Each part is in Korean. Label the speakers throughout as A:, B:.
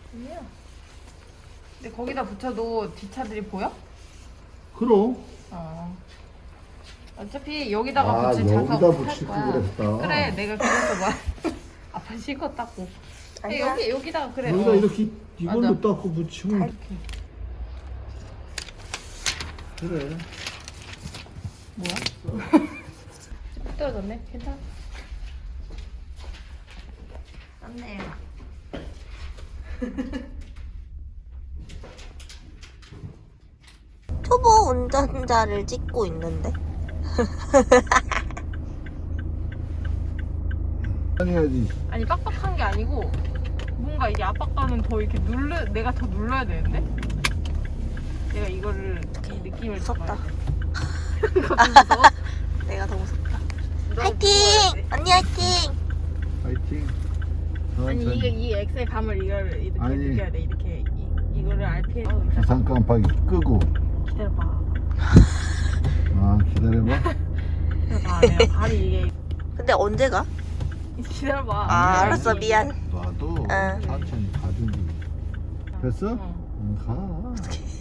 A: 아니야. 근데 거기다 붙여도 뒷차들이 보여?
B: 그럼.
A: 어차피 여기다가
B: 아,
A: 붙일 자석
B: 여기다
A: 할
B: 붙일
A: 거야.
B: 걸 그랬다.
A: 그래, 내가 그래서 막 아빠 식었다고.
C: 아니야.
A: 여기다가 그래.
B: 여기다 이렇게 이걸로
A: 맞아.
B: 닦고 붙이면
A: 이렇게.
B: 그래.
A: 뭐야? 떨어졌네. 괜찮아. 떴네요.
C: 초보 운전자를 찍고 있는데.
B: 해야지.
A: 아니 빡빡한 게 아니고 뭔가 이게 압박감은 더 이렇게 내가 더 눌러야 되는데 내가 이거를 이 느낌을
C: 무섭다.
A: 잡아야 돼. 무서워?
C: 내가 더 무섭다.
A: 너
C: 화이팅!
A: 무서워야 돼.
C: 언니 화이팅!
B: 파이팅.
A: 아니
B: 천천히.
A: 이게 이 엑셀 감을 이거를 이렇게
B: 아니.
A: 느껴야 돼. 이렇게 이거를 RPM
B: 비상 깜빡이 끄고.
A: 기다려봐.
B: 아, 기다려봐.
A: 기다려봐. 내가 발이 이게
C: 근데 언제 가?
A: 기다려봐.
C: 아, 알았어. 미안.
B: 놔도
C: 응.
B: 천천히 가든지. 됐어?
A: 응.
B: 응, 가.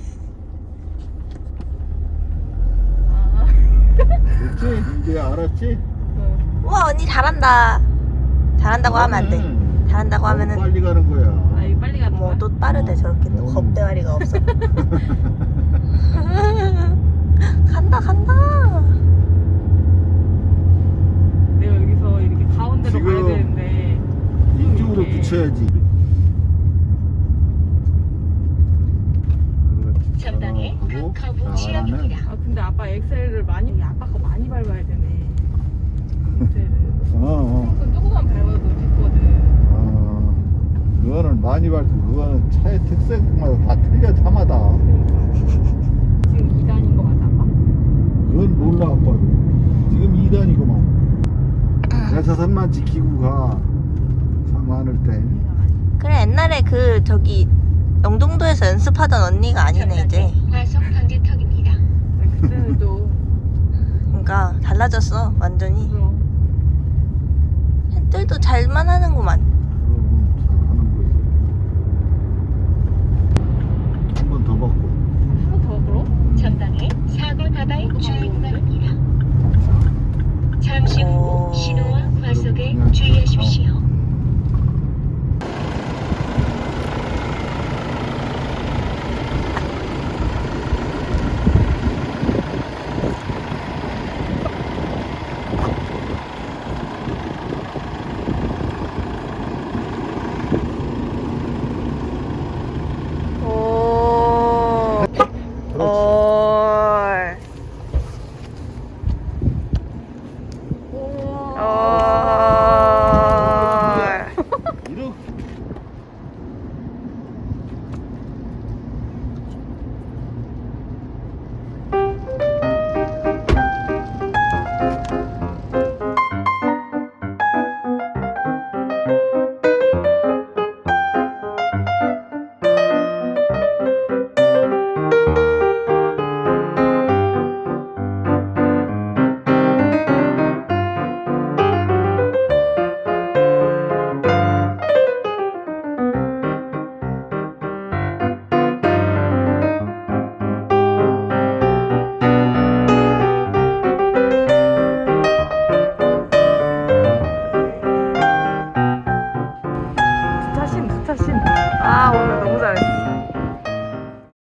A: 아.
B: 됐지? 이제 알았지?
A: 응.
C: 우와, 언니 잘한다. 잘한다고 하면 안 돼. 잘한다고
B: 너무
C: 하면은
B: 빨리 가는 거야.
A: 아 이거 빨리 가는 거야?
C: 뭐 또 빠르대. 저렇게 또 겁대가리가 없어. 간다 간다.
A: 내가 여기서 이렇게 가운데로
B: 지금
A: 가야 되는데
B: 이쪽으로
A: 이렇게.
B: 붙여야지. 그렇지.
D: 전방에
B: 하고
D: 커브
B: 잘하네.
D: 지역입니다.
A: 아 근데 아빠 엑셀을 많이 아빠가 많이 밟아야 되네. 엑셀을.
B: 어.
A: 그건 조금만 밟아도 됐거든.
B: 그거는 많이 밟고 그거는 차의 특성마다 다 틀려 차마다.
A: 지금 2단인 거 맞아 아빠?
B: 그건 몰라 아빠도. 지금 2단이구만. 대사선만 지키고 가. 차 많을 때.
C: 그래 옛날에 그 저기 영종도에서 연습하던 언니가 아니네 이제.
D: 과속 방지턱입니다.
A: 그때는 좀
C: 그러니까 달라졌어 완전히.
A: 그럼
C: 햇들도 잘만 하는구만.